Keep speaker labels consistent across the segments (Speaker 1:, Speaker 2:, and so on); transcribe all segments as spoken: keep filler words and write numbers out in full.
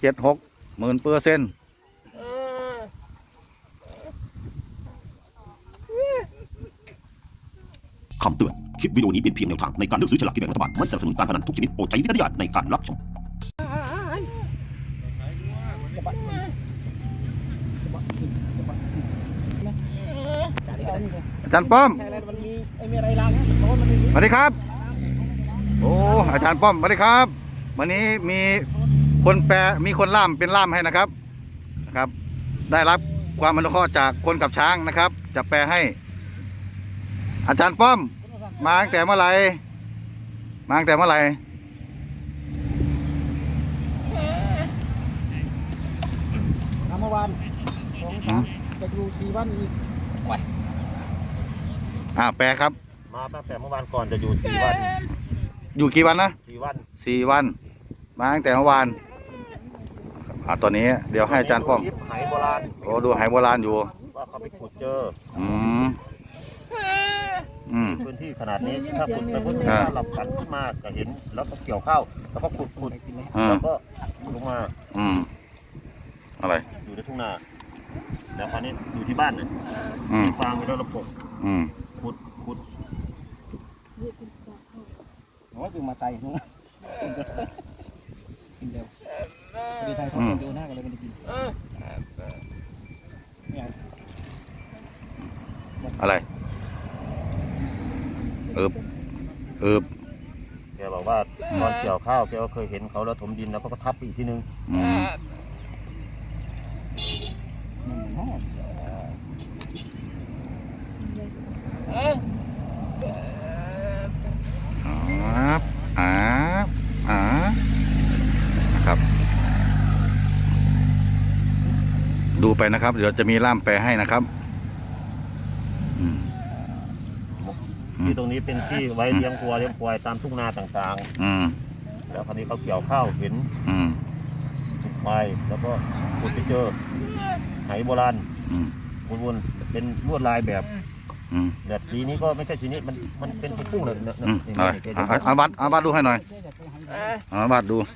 Speaker 1: เจ็ดหกหมื่นเปอร์เซ็นต์
Speaker 2: คำเตือน คลิปวิดีโอนี้เป็นเพียงแนวทางในการเลือกซื้อฉลากกินแบ่งรัฐบาล ไม่สนับสนุนการพนันทุกชนิดโปรดใช้วิจารณญาณในการรับชม
Speaker 1: อาจารย์ป้อมสวัสดีครับโอ้อาจารย์ป้อมสวัสดีครับวันนี้มีคนแปลมีคนล่ามเป็นล่ามให้นะครับนะครับได้รับความอนุเคราะห์จากคนกับช้างนะครับจะแปลให้อาจารย์ป้อมมาตั้งแต่เมื่อไหร่มาตั้งแต่เมื่อไหร่
Speaker 3: เมื่อวานสองสามจะอยู่สี่วันอีก
Speaker 1: อ่าแปลครับ
Speaker 4: มาตั้งแต่เมื่อวานก่อนจะอยู่สี่วัน
Speaker 1: อยู่กี่วันนะ
Speaker 4: สี่วัน
Speaker 1: สี่วันมาตั้งแต่เมื่อวานอ่าตอนนี้เดี๋ยวให้อาจารย์ป้อม
Speaker 4: ไหโบราณ
Speaker 1: โอ้ดูไหโบราณอยู่
Speaker 4: ว่าเขาไปขุดเจอ
Speaker 1: อืมอืม
Speaker 4: พื้นที่ขนาดนี้ถ้าขุดไปพื้นที่หลับฝันขึ้นมาจะเห็นแล้วก็เกี่ยวข้าวแล้วก็ขุดขุดแล้วก็ลงมา
Speaker 1: อืมอะไร
Speaker 4: อยู่ในทุ่งนาแล้วคราวนี้อยู่ที่บ้านเนี่ยฟางไปแล้วระบบขุดขุด
Speaker 3: โอ้ยคือมาใจนู้นกินเดียวดีไทยเขาดูหน้ากันเลยมันจะกิน
Speaker 1: อะไรเอิบเอิบ
Speaker 4: แกบอกว่าตอนเกี่ยวข้าวแกก็เคยเห็นเขาแล้วถมดินแล้วก็ทับอีกทีนึง
Speaker 1: อาบอาบอานะครับดูไปนะครับเดี๋ยวจะมีล่ามแปลให้นะครับ
Speaker 4: ที่ตรงนี้เป็นที่ไว้เลี้ยงวัวเลี้ยงควายตามทุ่งนาต่างๆแล้วคราวนี้เขาเกี่ยวข้าวเห็นควายแล้วก็ขุดไปเจอไหโบราณวนๆเป็นลวดลายแบบแบบสีนี้ก็ไม่ใช่สีนี้มันมันเป็นพุ่งเลยนะ
Speaker 1: อาบัตอาบัตดูให้หน่อยอาบัตดู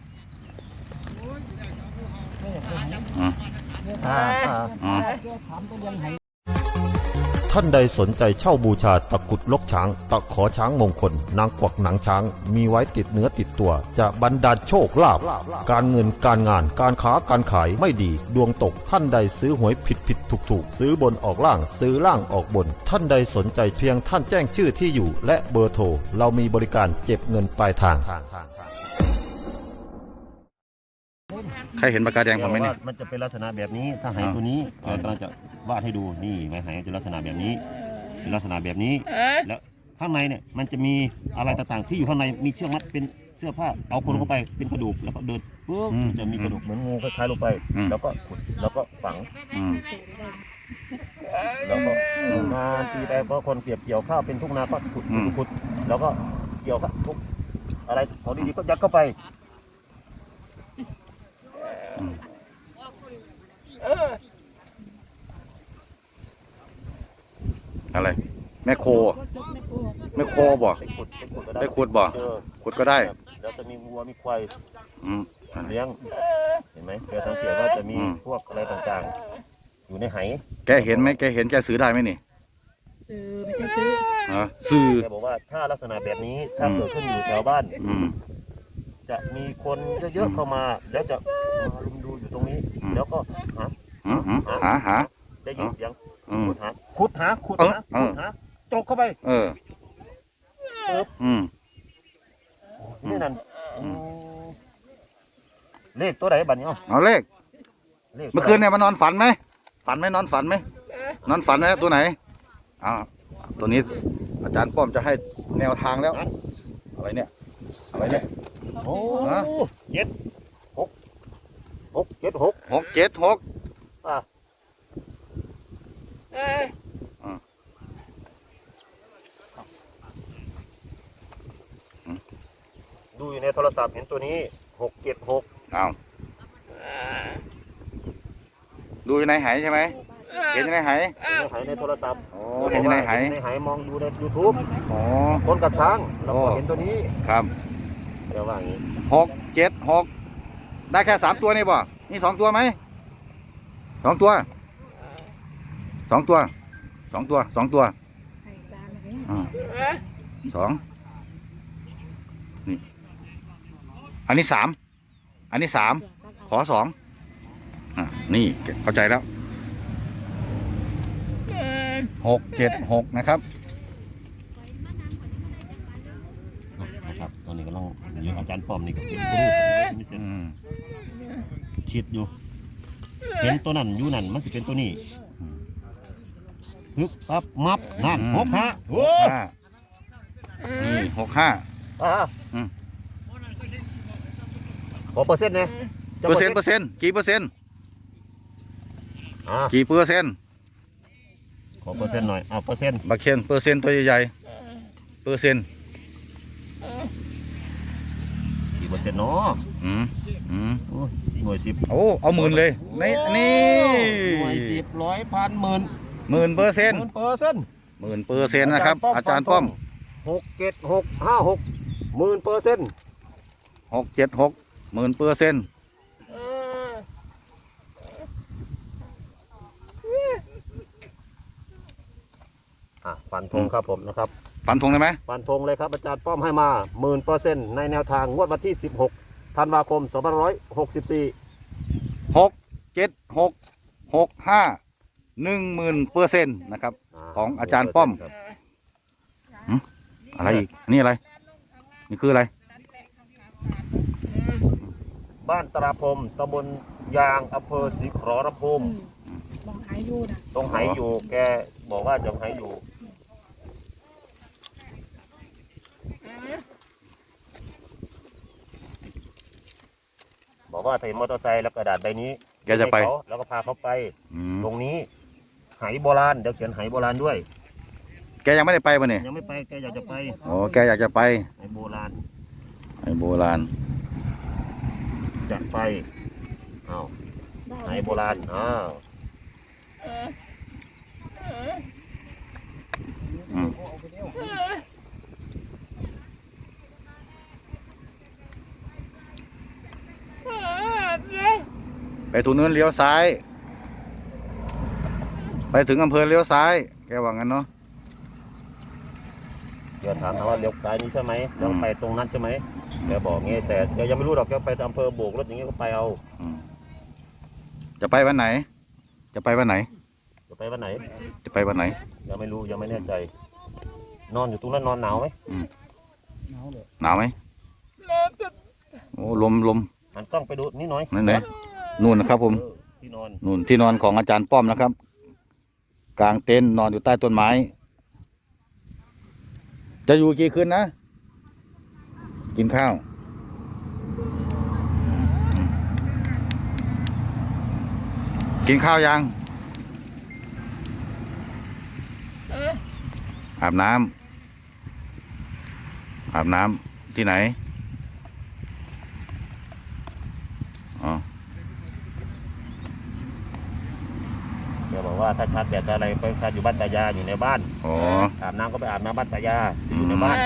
Speaker 2: ท่านใดสนใจเช่าบูชาตะกุดลกช้างตะขอช้างมงคลนางกวักหนังช้างมีไว้ติดเนื้อติดตัวจะบรรดาลโชคลาภการเงินการงานการค้าการขายไม่ดีดวงตกท่านใดซื้อหวยผิดผิดถูกถูกซื้อบนออกล่างซื้อล่างออกบนท่านใดสนใจเพียงท่านแจ้งชื่อที่อยู่และเบอร์โทรเรามีบริการเก็บเงินปลายทาง
Speaker 1: ใครเห็นปากกาแดงผมไหมเนี่ย
Speaker 4: มันจะเป็นลักษณะแบบนี้ถ้าไหตัวนี้เรากำลังจะวาดให้ดูนี่ไหมไหจะลักษณะแบบนี้เป็นลักษณะแบบนี้แล้วข้างในเนี่ยมันจะมีอะไรต่างๆที่อยู่ข้างในมีเชือกมัดเป็นเสื้อผ้าเอาคนเข้าไปเป็นกระดูกแล้วก็เดินปุ๊บจะมีกระดูกเหมือนงูคล้ายๆลงไปแล้วก็ขุดแล้วก็ฝังแล้วก็นาทีไปก็คนเก็บเกี่ยวข้าวเป็นทุ่งนาก็ขุดขุดแล้วก็เกี่ยวทุกอะไรของดีๆก็ยัดเข้าไป
Speaker 1: อะไรแม่โคแม่โคบ่ได้ขุดบ่ขุดก็ได้
Speaker 4: แล้วจะมีวัวมีควายเลี้ยงเห็นไหมแกสังเกตว่าจะมีพวกอะไรต่างๆอยู่ในไห
Speaker 1: แกเห็นไหมแกเห็นแกซื้อได้ไหมนี่
Speaker 3: ซื้อไม่ใช่ซื้อ
Speaker 1: ฮะซื้อ
Speaker 4: แกบอกว่าถ้าลักษณะแบบนี้ถ้าเกิดขึ้นอยู่แถวบ้านจะมีคนเยอะๆเข้ามาแล้วจะมาลุมดูอยู่ตรงนี้แล้วก็หา
Speaker 1: หาหา
Speaker 4: ได้ยินเสียงขุดหาขุดหาขุดหาขุดหาจกเข้าไป
Speaker 1: เออ
Speaker 4: เอออืมนี่นั่นเลขตัวไหนบัดนี้
Speaker 1: เอาเลขเมื่อคืนเนี่ยมานอนฝันไหมฝันไหมนอนฝันไหมนอนฝันไหมตัวไหนอ่าตัวนี้อาจารย์ป้อมจะให้แนวทางแล้วอะไรเนี่ยอะไรเนี่ย
Speaker 4: โอ้เจ็ดหกหกเจ็ดหก
Speaker 1: หกเจ็ดหก
Speaker 4: อ่ะดูอยู่ในโทรศัพท์เห็นตัวนี้หกเจ็ดหก
Speaker 1: เอาดูอยู่ในไหใช่ไหมเห็นในไห
Speaker 4: ในไหในโทรศัพท์
Speaker 1: โอ้เห็นในไห
Speaker 4: ในไหมองดูใน ยูทูบ
Speaker 1: อ๋อ
Speaker 4: คนกับช้างเราเห็นตัวนี้
Speaker 1: ครับ
Speaker 4: เดี๋ยวว่าอย่างนี้
Speaker 1: หกเจ็ดหกได้แค่สามตัวนี่บ่นี่สองตัวไหมสองตัวสองตัวสองตัวสองตัวอ่าสองนี่อันนี้สามอันนี้สามขอสองอ่ะนี่เข้าใจแล้วหกเจ็ดหกนะครับ
Speaker 4: นะครับตอนนี้กำลังอยู่อาจารย์ป้อมนี่กับเป็นครูไม่เสร็จ
Speaker 1: อืม
Speaker 4: คิดอยู่เห็นตัวนั้นอยู่นั่นมันสิเป็นตัวนี้ปึ๊บปั๊บมับนั่นหกห้าโอ้
Speaker 1: ห้านี่หกห้า
Speaker 4: อ่า
Speaker 1: อืม
Speaker 4: ขอเปอร์เซ็นต์นะ
Speaker 1: เปอร์เซ็นต์เปอร์เซ็นต์กี่เปอร์เซ็นต์
Speaker 4: อ่า
Speaker 1: กี่เปอร์เซ็นต์
Speaker 4: ขอเปอร์เซ็นต์หน่อยอ่าเปอร์เซ็นต์
Speaker 1: บักเคนเปอร์เซ็นต์ตัวใหญ่ๆเปอร์เซ็นต์
Speaker 4: กี่เปอร์เซ็นต์เนาะ
Speaker 1: อืมอืม
Speaker 4: โอ้ยหน่วยสิบ
Speaker 1: โอ้เอาหมื่นเลยในนี่
Speaker 4: หน่วยสิบร้อยพันหมื่น
Speaker 1: หมื่นเปอร์เซ็นต์
Speaker 4: หมื่นเปอร์เซ็นต์
Speaker 1: หมื่นเปอร์เซ็นต์นะครับ อาจารย์ป้อม
Speaker 4: หกเจ็ดหกห้าหกหมื่นเปอร์เซ็นต์
Speaker 1: หกเจ็ดหกหมื่นเปอร์เซ็นต์
Speaker 4: อ่ะฟันธงครับผมนะครับ
Speaker 1: ฟันธงได้ไหม
Speaker 4: ฟันธงเลยครับอาจารย์ป้อมให้มาหมื่นเปอร์เซ็นต์ในแนวทางงวดวันที่สิบหกธันวาคมสองพันร้อยหกสิบสี่
Speaker 1: หกเจ็ดหกหกห้าหนึ่งหมื่นเปอร์เซ็นต์นะครับ ของอาจารย์ป้อม อะไรอีกนี่อะไร นี่คืออะไร
Speaker 4: บ้านตราพรมตำบลยางอำเภอศรีขอรภูมิ
Speaker 5: มองหายอยู่นะ
Speaker 4: ตรงไหอยู่แกบอกว่าจะไหอยู่ บอกว่าถ้าเห็นมอเตอร์ไซค์แล้วกระดาษใบนี้
Speaker 1: แกจะไป
Speaker 4: ให้เขาแล้วก็พาเขาไป
Speaker 1: อืม
Speaker 4: ตรงนี้ไหโบราณเดี๋ยวเขียนไหโบราณด้วย
Speaker 1: แกยังไม่ได้ไปป่ะเนี่ย
Speaker 4: ยังไม่ไปแกอยากจะไป
Speaker 1: โอ้แกอยากจะไป
Speaker 4: ไหโบราณ
Speaker 1: ไอ้โบราณ
Speaker 4: จะไปอ้าวไหโบราณอ้าว
Speaker 1: อืมไปถูกนู้นเลี้ยวซ้าย ไปถึงอำเภอเลี้ยวซ้าย แกว่างั้นเนาะ
Speaker 4: เดี๋ยวถามเขาว่าเลี้ยวซ้ายนี้ใช่ไหมแล้วไปตรงนั้นใช่ไหมแกบอกงี้แต่แกยังไม่รู้หรอกแกไปอำเภอโบกรถอย่างงี้ก็ไปเอา
Speaker 1: อืมจะไปวันไหน จะไปวันไหน
Speaker 4: จะไปวันไหน
Speaker 1: จะไปวันไหน
Speaker 4: ยังไม่รู้ยังไม่แน่ใจ นอนอยู่ตรงนั้นนอนหนาวไหม
Speaker 3: หนาวเลย
Speaker 1: หนาวไหมโอ้ลมลม
Speaker 4: หันกล้องไปดูนี่หน่อย
Speaker 1: นั่นไหนนู่นนะครับผม
Speaker 4: เออที่นอน
Speaker 1: นู่นที่นอนของอาจารย์ป้อมนะครับ กลางเต็นท์นอนอยู่ใต้ต้นไม้ จะอยู่กี่คืนนะ กินข้าว กินข้าวยัง อาบน้ำอาบน้ำที่ไหน อ๋อ
Speaker 4: แกบอกว่าถ้าชาร์จแบตอะไรไปชาร์จอยู่บ้านตายาอยู่ในบ้าน
Speaker 1: อ๋อ
Speaker 4: อาบน้ำก็ไปอาบน้ำบ้านตายาอยู่ในบ้าน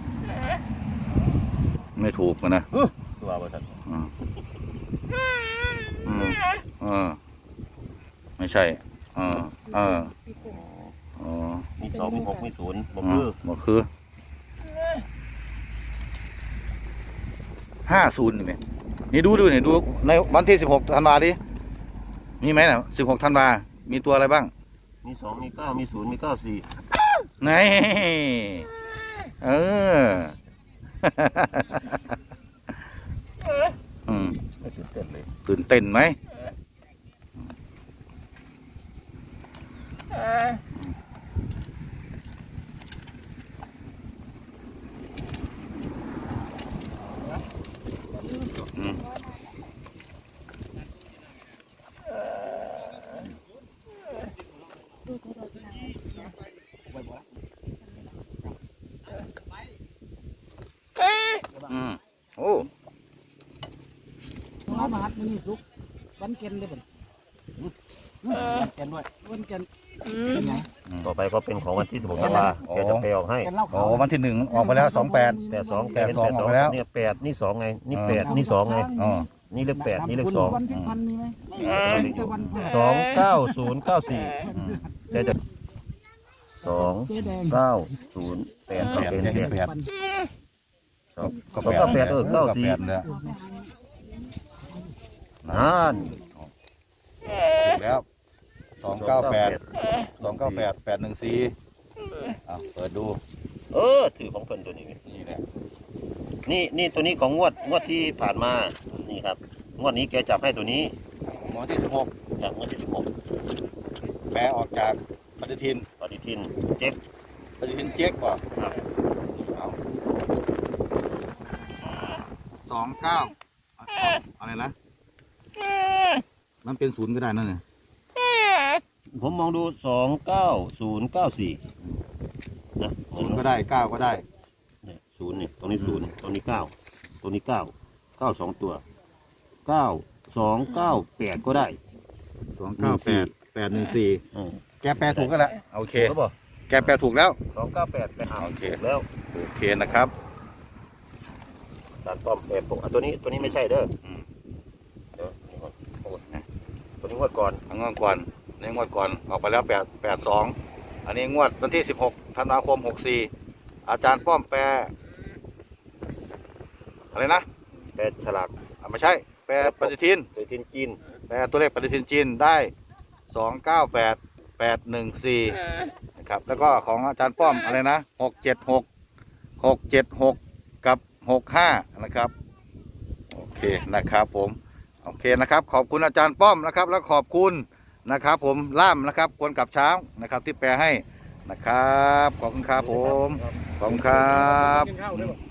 Speaker 1: ไม่ถูกกันนะ
Speaker 4: ตัวบริษัท
Speaker 1: อืมอืมเออ ไม่ใช่เออเอออ๋อ
Speaker 4: มีสองมีหกมีศูนย์บอก
Speaker 1: อ๋
Speaker 4: คือ
Speaker 1: อบอกคือห้าศูนย์เนี่ยนี่ดูดูเนี่ยดูในวันที่สิบหกธันวาดิมีไหมน่ะสิบหกธันวามีตัวอะไรบ้าง
Speaker 4: มีสองมีเก้ามีศูนย์มีเก้าสี่
Speaker 1: ไหนเออ อืม
Speaker 4: ไม่ตื่นเต้นเลย
Speaker 1: ตื่นเต้นไหมอืมอืมโอ้
Speaker 3: น้ำมาหัดมือนี่สุกวันเกนได้บ่วันเกนด้วยวันเกนเป็นไง
Speaker 4: ต่อไปก็เป็นของวันที่สิบหกธันวาแกจะไปออกให้
Speaker 3: เกนเหล้า
Speaker 1: อ๋อ
Speaker 3: ขาว
Speaker 1: วันที่หนึ่งออกไปแล้วสองแปด
Speaker 4: แปดสอง
Speaker 1: แปดสองออกไปแล้ว
Speaker 4: เนี่ยแปดนี่สองไงนี่
Speaker 1: อ่า
Speaker 4: แปดนี่สองไง
Speaker 1: อ๋อ
Speaker 4: นี่เลขแปดนี่เลขสอง
Speaker 3: วันที่พันมีไหมมีแต่วันพฤหัส
Speaker 4: สองเก้าศูนย์เก้าสี่แต่จะสอง
Speaker 3: เจ๊แดง
Speaker 4: เก้าศูนย์แปดก็เป็นแปด
Speaker 1: แปด
Speaker 4: สองก็แปดเออเก้าสี่
Speaker 1: แปดเนี่ย
Speaker 4: นั่น
Speaker 1: ถูกแล้วสองเก้าแปดสองเก้าแปดแปดหนึ่งสี่เอาเปิดดู
Speaker 4: เออถือของเพิ่นตัวนี้
Speaker 1: นี่แหละ
Speaker 4: นี่นี่ตัวนี้ของงวดงวดที่ผ่านมานี่ครับงวดนี้แกจับให้ตัวนี้
Speaker 1: หมอที่สิบหก
Speaker 4: จากงวดที่สิบหก
Speaker 1: แปลออกจากปฏิทิน
Speaker 4: ปฏิทินเจ็บ
Speaker 1: ปฏิทินเจ๊กป่ะ
Speaker 4: ครับ
Speaker 1: เอาสองเก้าอะไรนะมันเป็นศูนย์ก็ได้นั่นเนี่ย
Speaker 4: ผมมองดูสองเก้าศูนย์เก้าสี่นะ
Speaker 1: ศูนย์ก็ได้เก้าก็ได้
Speaker 4: เนี่ยศูนย์เนี่ยตรงนี้ศูนย์ตรงนี้เก้าตรงนี้เก้าเก้าสองตัวเก้าสองเก้าแปดก็ได้
Speaker 1: สองเก้าแปดแปดหนึ่งสี่
Speaker 4: เออ
Speaker 1: แกแปลถูกก็แล้วโอเค
Speaker 4: ถูกแล้วบ่
Speaker 1: แกแปลถูกแล้ว
Speaker 4: สองเก้าแปดไปหา
Speaker 1: โอเค
Speaker 4: ถูกแล้ว
Speaker 1: โอเคนะครับ
Speaker 4: การป้อมแปดปกอ่ะตัวนี้ตัวนี้ไม่ใช่เด้ออ
Speaker 1: ม
Speaker 4: เดี๋ยวนี่ก่อนโอ้ยนะตัวนี้งวดก่อน
Speaker 1: งวดก่อนในงวดก่อนออกไปแล้วแปดแปดสองอันนี้งวดวันที่สิบหกธันวาคมหกสี่อาจารย์ป้อมแปลอะไรนะ
Speaker 4: แปดฉลาก
Speaker 1: อ่ะไม่ใช่แปลปฏิทิน
Speaker 4: ปฏิทินจีน
Speaker 1: แปลตัวเลขปฏิทินจีนได้สองเก้าแปดแปดหนึ่งสี่นะครับแล้วก็ของอาจารย์ป้อมอะไรนะหกเจ็ดหกหกเจ็ดหกกับหกห้านะครับโอเคนะครับผมโอเคนะครับขอบคุณอาจารย์ป้อมนะครับแล้วขอบคุณนะครับผมล่ามนะครับคนกับช้างนะครับที่แปลให้นะครับขอบคุณครับผมขอบคุณครับ
Speaker 3: กินข้าวด้วยบ่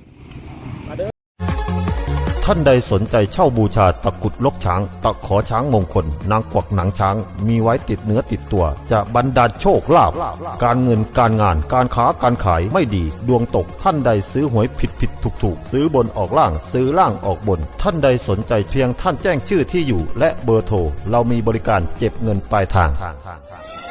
Speaker 2: ท่านใดสนใจเช่าบูชาตะกรุดลกช้าง ตะขอช้างมงคล นางกวักหนังช้าง มีไว้ติดเนื้อติดตัว จะบรรดาลโชคลาภการเงินการงานการค้าการขายไม่ดี ดวงตกท่านใดซื้อหวยผิดผิดถูกถูกซื้อบนออกล่างซื้อล่างออกบน ท่านใดสนใจเพียงท่านแจ้งชื่อที่อยู่ และเบอร์โทรเรามีบริการเก็บเงินปลายทาง